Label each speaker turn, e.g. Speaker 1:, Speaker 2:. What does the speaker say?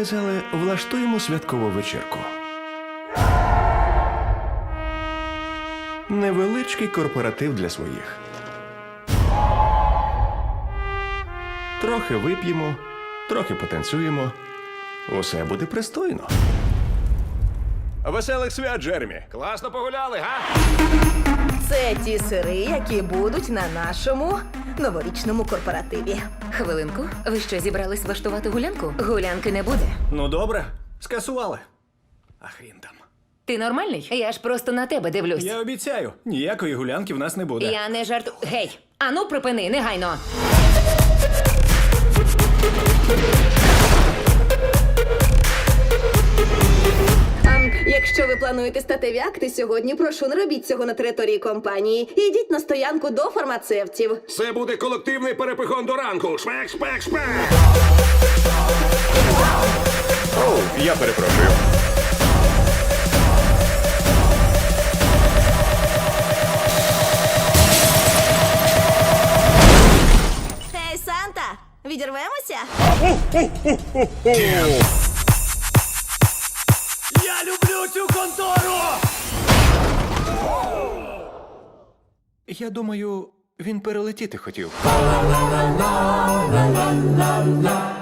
Speaker 1: сказали, влаштуємо святкову вечірку. Невеличкий корпоратив для своїх. Трохи вип'ємо, трохи потанцюємо. Усе буде пристойно. Веселих свят, Джеремі!
Speaker 2: Класно погуляли, га?
Speaker 3: Це ті сири, які будуть на нашому новорічному корпоративі.
Speaker 4: Хвилинку, ви що, зібрались влаштувати гулянку? Гулянки не буде.
Speaker 2: Ну добре, скасували. А хрін там.
Speaker 4: Ти нормальний? Я ж просто на тебе дивлюсь.
Speaker 2: Я обіцяю, ніякої гулянки в нас не буде.
Speaker 4: Я не жарту. Гей! Ану, припини, негайно!
Speaker 3: Якщо ви плануєте статеві акти сьогодні, прошу, не робіть цього на території компанії. Ідіть на стоянку до фармацевтів.
Speaker 5: Це буде колективний перепихон до ранку. Шмек, шпек, шпек.
Speaker 1: Оу, я перепрошую.
Speaker 3: Ей, Санта, відірвемося?
Speaker 2: Я люблю цю контору!
Speaker 1: Я думаю, він перелетіти хотів.